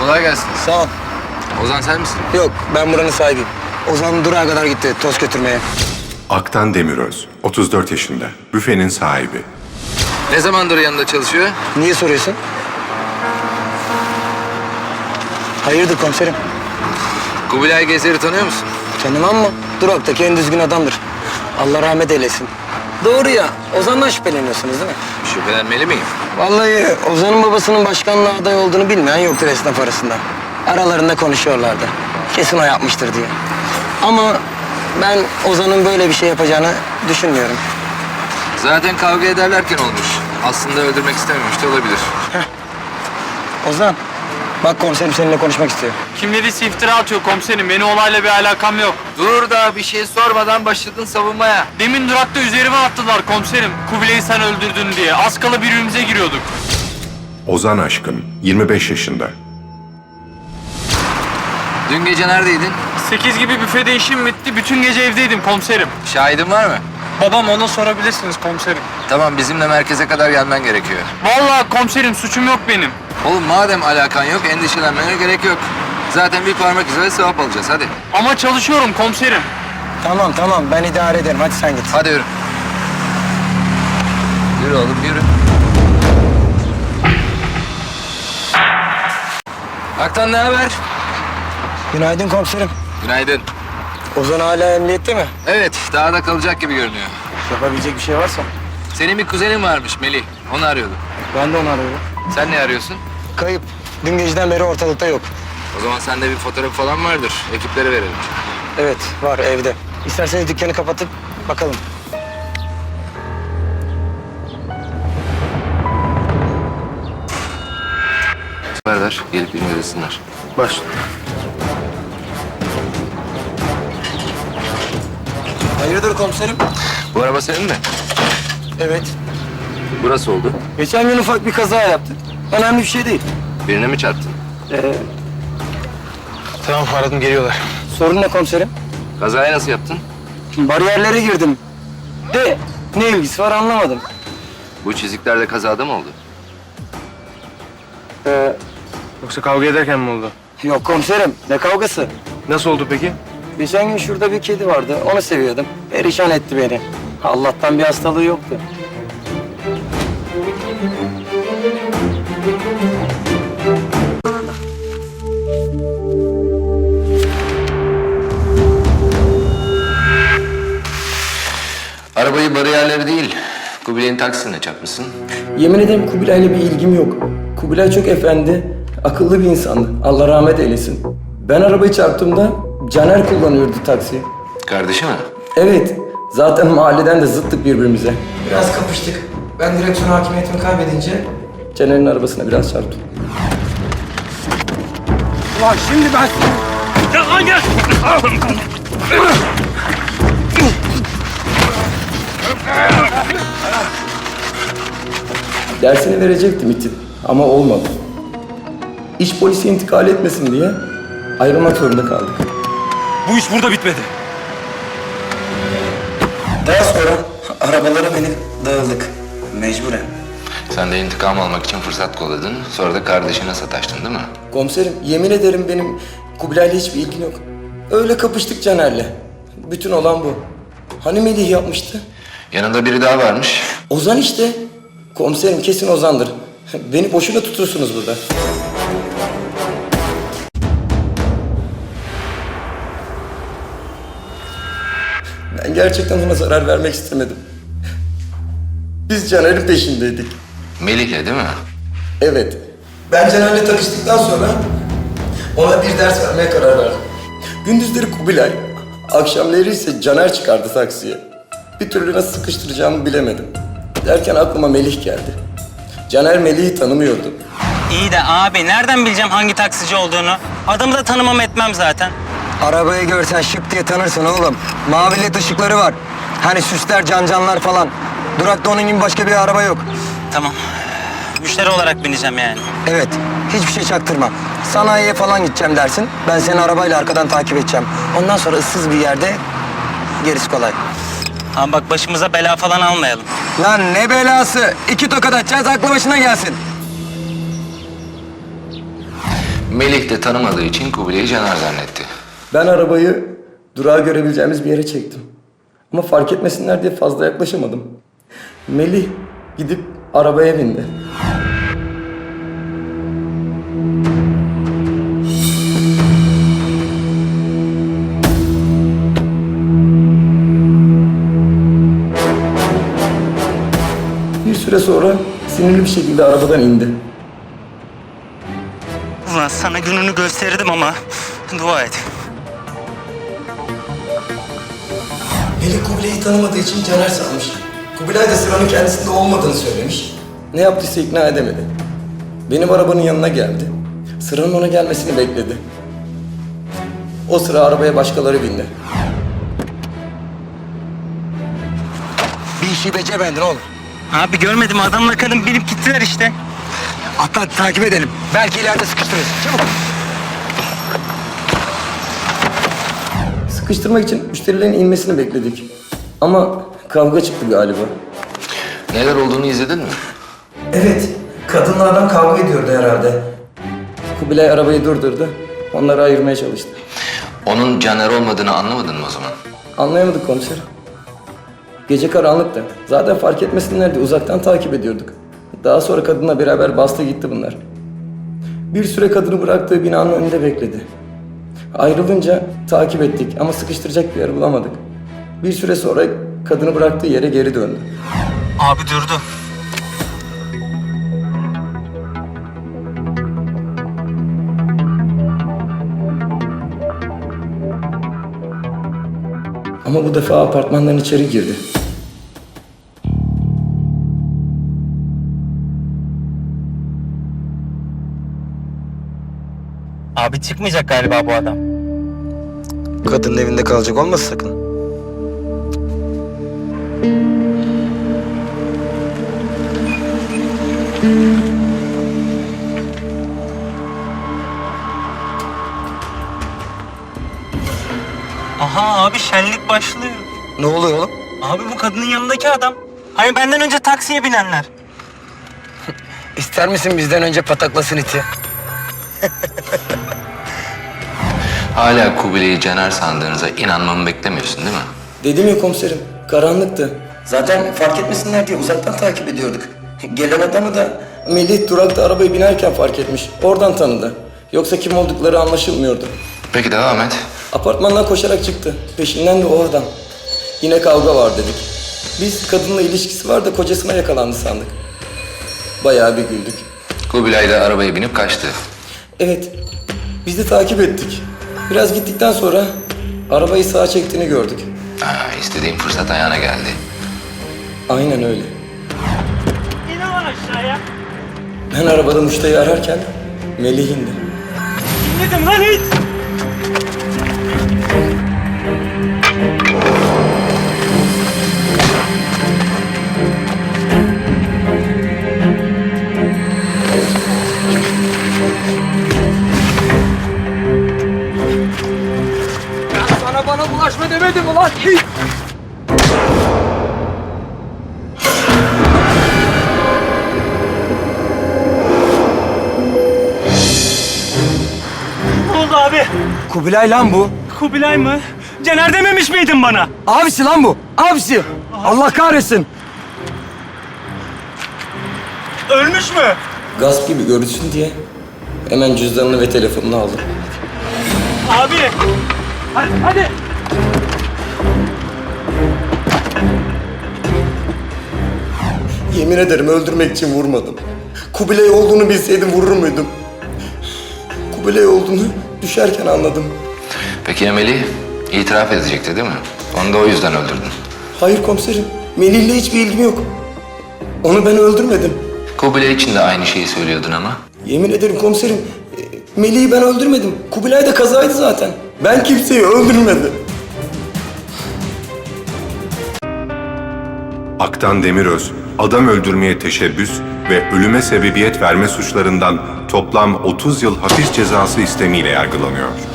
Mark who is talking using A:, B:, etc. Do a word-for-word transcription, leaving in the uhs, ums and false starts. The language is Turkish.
A: Kolay gelsin.
B: Sağ ol.
A: Ozan sen misin?
B: Yok, ben buranın sahibiyim. Ozan durağa kadar gitti toz götürmeye.
C: Aktan Demiröz, otuz dört yaşında, büfenin sahibi.
A: Ne zamandır yanında çalışıyor?
B: Niye soruyorsun? Hayırdır komiserim?
A: Kubilay Gezer'i tanıyor musun?
B: Tanımam mı? Duraktaki en düzgün adamdır. Allah rahmet eylesin. Doğru ya, Ozan'dan şüpheleniyorsunuz değil mi?
A: Şüphelenmeli miyim?
B: Vallahi Ozan'ın babasının başkanlığa aday olduğunu bilmeyen yoktur esnaf arasında. Aralarında konuşuyorlardı. Kesin o yapmıştır diye. Ama ben Ozan'ın böyle bir şey yapacağını düşünmüyorum.
A: Zaten kavga ederlerken olmuş. Aslında öldürmek istememiş de olabilir.
B: Ozan, bak komiserim seninle konuşmak istiyor.
D: Kim dediyse iftira atıyor komiserim. Benim olayla bir alakam yok.
A: Dur da bir şey sormadan başladın savunmaya.
D: Demin durakta üzerime attılar komiserim. Kubilay'ı sen öldürdün diye. Az kala birbirimize giriyorduk.
C: Ozan Aşkın, yirmi beş yaşında.
A: Dün gece neredeydin?
D: Sekiz gibi büfede işim bitti. Bütün gece evdeydim komiserim.
A: Şahidin var mı?
D: Babam, ona sorabilirsiniz komiserim.
A: Tamam, bizimle merkeze kadar gelmen gerekiyor.
D: Vallahi komiserim, suçum yok benim.
A: Oğlum madem alakan yok, endişelenmene gerek yok. Zaten bir parmak izi ve sevap alacağız, hadi.
D: Ama çalışıyorum komiserim.
B: Tamam tamam, ben idare ederim. Hadi sen git.
A: Hadi yürü. Yürü oğlum, yürü. Aktan ne haber?
B: Günaydın komiserim.
A: Günaydın.
B: Ozan hala emniyette mi?
A: Evet, daha da kalacak gibi görünüyor.
B: Yapabilecek bir şey varsa.
A: Senin bir kuzenin varmış Melih, onu arıyordu.
B: Ben de onu arıyorum.
A: Sen ne arıyorsun?
B: Kayıp. Dün geceden beri ortalıkta yok.
A: O zaman sende bir fotoğraf falan vardır. Ekiplere verelim.
B: Evet, var evde. İsterseniz dükkanı kapatıp bakalım.
A: Ver ver, gelip incelesinler.
B: Baş. Hayırdır komiserim?
A: Bu araba senin mi?
B: Evet.
A: Burası oldu.
B: Geçen gün ufak bir kaza yaptık. Önemli bir şey değil.
A: Birine mi çarptın?
B: Ee... Tamam, aradım, geliyorlar. Sorun ne komiserim?
A: Kazayı nasıl yaptın?
B: Bariyerlere girdim. De ne ilgisi var anlamadım.
A: Bu çizikler de kazada mı oldu?
B: Ee,
E: Yoksa kavga ederken mi oldu?
B: yok komiserim, ne kavgası?
E: Nasıl oldu peki?
B: Geçen gün şurada bir kedi vardı, onu seviyordum. Perişan etti beni. Allah'tan bir hastalığı yoktu.
A: Arabayı bariyerleri değil, Kubilay'ın taksisine çarpmışsın.
B: Yemin ederim Kubilay'la bir ilgim yok. Kubilay çok efendi, akıllı bir insandı. Allah rahmet eylesin. Ben arabayı çarptığımda Caner kullanıyordu taksiyi.
A: Kardeşi mi?
B: Evet, zaten mahalleden de zıttık birbirimize. Biraz kapıştık. Ben direksiyon hakimiyetimi kaybedince Caner'in arabasına biraz çarptım.
D: Ulan şimdi ben... Ya lan gel!
B: Dersini verecektim itin ama olmadı. İş polise intikal etmesin diye ayrılmak zorunda kaldık.
E: Bu iş burada bitmedi.
B: Daha sonra arabalara binip dağıldık. Mecburen.
A: Sen de intikam almak için fırsat kolladın. Sonra da kardeşine sataştın değil mi?
B: Komiserim yemin ederim benim Kubilay'la hiçbir ilgim yok. Öyle kapıştık Caner'le. Bütün olan bu. Hani Melih yapmıştı?
A: Yanında biri daha varmış.
B: Ozan işte. Komiserim kesin Ozan'dır. Beni boşuna tutursunuz burada. Ben gerçekten ona zarar vermek istemedim. Biz Caner'in peşindeydik.
A: Melih'le değil mi?
B: Evet. Ben Caner'le takıştıktan sonra ona bir ders vermeye karar verdim. Gündüzleri Kubilay, akşamları ise Caner çıkardı taksiye. Bir türlü nasıl sıkıştıracağımı bilemedim. Derken aklıma Melih geldi. Caner Melih'i tanımıyordu.
F: İyi de abi nereden bileceğim hangi taksici olduğunu? Adamı da tanımam etmem zaten.
B: Arabayı görsen şıp diye tanırsın oğlum. Mavi led ışıkları var. Hani süsler, cancanlar falan. Durakta onun gibi başka bir araba yok.
F: Tamam. Müşteri olarak bineceğim yani.
B: Evet, hiçbir şey çaktırma. Sanayiye falan gideceğim dersin. Ben seni arabayla arkadan takip edeceğim. Ondan sonra ıssız bir yerde gerisi kolay.
F: Ama bak başımıza bela falan almayalım.
B: Lan ne belası? İki tokat atacağız, aklı başına gelsin.
A: Melih de tanımadığı için Kubilay'ı Caner zannetti.
B: Ben arabayı durağa görebileceğimiz bir yere çektim. Ama fark etmesinler diye fazla yaklaşamadım. Melih gidip arabaya bindi. Bir süre sonra sinirli bir şekilde arabadan indi.
F: Ulan sana gününü gösterdim ama dua et.
B: Melih Kubilay'ı tanımadığı için Caner sanmış. Kubilay da sıranın kendisinde olmadığını söylemiş. Ne yaptıysa ikna edemedi. Benim arabanın yanına geldi. Sıranın ona gelmesini bekledi. O sıra arabaya başkaları bindi.
G: Bir işi beceremedin oğlum.
F: Abi görmedim adamla kadın binip gittiler işte.
G: Atla takip edelim. Belki ileride sıkıştırırız. Çabuk.
B: Sıkıştırmak için müşterilerin inmesini bekledik. Ama kavga çıktı galiba.
A: Neler olduğunu izledin mi?
B: Evet, kadınlardan kavga ediyordu herhalde. Kubilay arabayı durdurdu. Onları ayırmaya çalıştı.
A: Onun Caner olmadığını anlamadın mı o zaman?
B: Anlayamadık komiserim. Gece karanlıktı. Zaten fark etmesinler diye uzaktan takip ediyorduk. Daha sonra kadınla beraber bastı gitti bunlar. Bir süre kadını bıraktığı binanın önünde bekledi. Ayrılınca takip ettik ama sıkıştıracak bir yer bulamadık. Bir süre sonra kadını bıraktığı yere geri döndü.
F: Abi durdu.
B: Ama bu defa apartmandan içeri girdi.
F: Abi çıkmayacak galiba bu adam.
G: Kadının evinde kalacak olmasın sakın.
F: Aha abi şenlik başlıyor.
G: Ne oluyor oğlum?
F: Abi bu kadının yanındaki adam. Hani benden önce taksiye binenler.
G: İster misin bizden önce pataklasın iti?
A: Hala Kubilay'ı Caner sandığınıza inanmamı beklemiyorsun değil mi?
B: Dedim ya komiserim, karanlıktı. Zaten fark etmesinler diye uzaktan takip ediyorduk. Gelen adamı da Melih durakta arabayı binerken fark etmiş. Oradan tanıdı. Yoksa kim oldukları anlaşılmıyordu.
A: Peki devam et.
B: Apartmandan koşarak çıktı. Peşinden de o adam. Yine kavga var dedik. Biz kadınla ilişkisi var da kocasına yakalandı sandık. Bayağı bir güldük.
A: Kubilay da arabaya binip kaçtı.
B: Evet, biz de takip ettik. Biraz gittikten sonra arabayı sağa çektiğini gördük.
A: Ha, istediğim fırsat ayağına geldi.
B: Aynen öyle.
F: İn lan aşağıya.
B: Ben arabada muştayı ararken Melih indi.
F: İnledim lan hiç.
E: Sana bana bulaşma demedim ulan.
F: Ne oldu abi?
G: Kubilay lan bu.
F: Kubilay mı? Caner dememiş miydin bana?
G: Abisi lan bu. Abisi. Allah kahretsin.
F: Ölmüş mü?
B: Gasp gibi görünsün diye hemen cüzdanını ve telefonunu aldım.
F: Abi. Hadi hadi.
B: Yemin ederim öldürmek için vurmadım. Kubilay olduğunu bilseydim vurur muydum? Kubilay olduğunu düşerken anladım.
A: Peki ya Melih? İtiraf edecekti değil mi? Onu da o yüzden öldürdün.
B: Hayır komiserim, Melih'le hiçbir ilgim yok. Onu ben öldürmedim.
A: Kubilay için de aynı şeyi söylüyordun ama.
B: Yemin ederim komiserim, e, Melih'i ben öldürmedim. Kubilay da kazaydı zaten. Ben kimseyi öldürmedim.
C: Aktan Demiröz, adam öldürmeye teşebbüs ve ölüme sebebiyet verme suçlarından toplam otuz yıl hapis cezası istemiyle yargılanıyor.